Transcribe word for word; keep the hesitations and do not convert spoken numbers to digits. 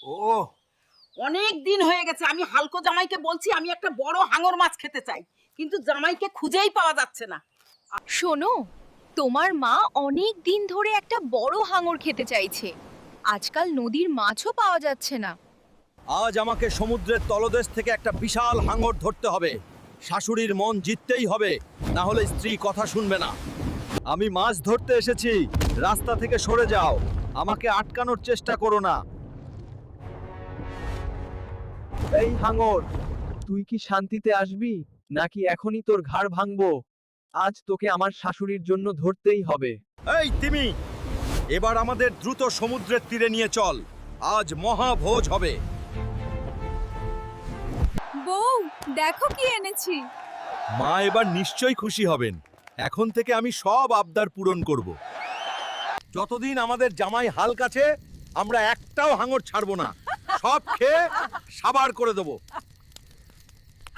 ও, অনেক দিন হয়ে গেছে আমি হালকো জামাইকে বলছি আমি একটা বড় হাঙর মাছ খেতে চাই, কিন্তু জামাইকে খুঁজেই পাওয়া যাচ্ছে না। শোনো, তোমার মা অনেক দিন ধরে একটা বড় হাঙর খেতে চাইছে। আজকাল নদীর মাছও পাওয়া যাচ্ছে না। আজ আমাকে সমুদ্রের তলদেশ থেকে একটা বিশাল হাঙর ধরতে হবে। শাশুড়ির মন জিততেই হবে, না হলে স্ত্রী কথা শুনবে না। আমি মাছ ধরতে এসেছি, রাস্তা থেকে সরে যাও। আমাকে আটকানোর চেষ্টা করো না। এই হাঙর, তুই কি শান্তিতে আসবি নাকি এখনই তোর ঘাড় ভাঙবো? আজ তোকে আমার শাশুড়ির জন্য ধরতেই হবে। এই তিমি, এবার আমাদের দ্রুত সমুদ্রের তীরে নিয়ে চল। আজ মহাভোজ হবে। বউ, দেখো কি এনেছি। মা এবার নিশ্চয়ই খুশি হবেন। এখন থেকে আমি সব আবদার পূরণ করব। যতদিন আমাদের জামাই হাল কাছে, আমরা একটাও হাঙর ছাড়বো না। সব খেয়ে সাবার করে দেবো।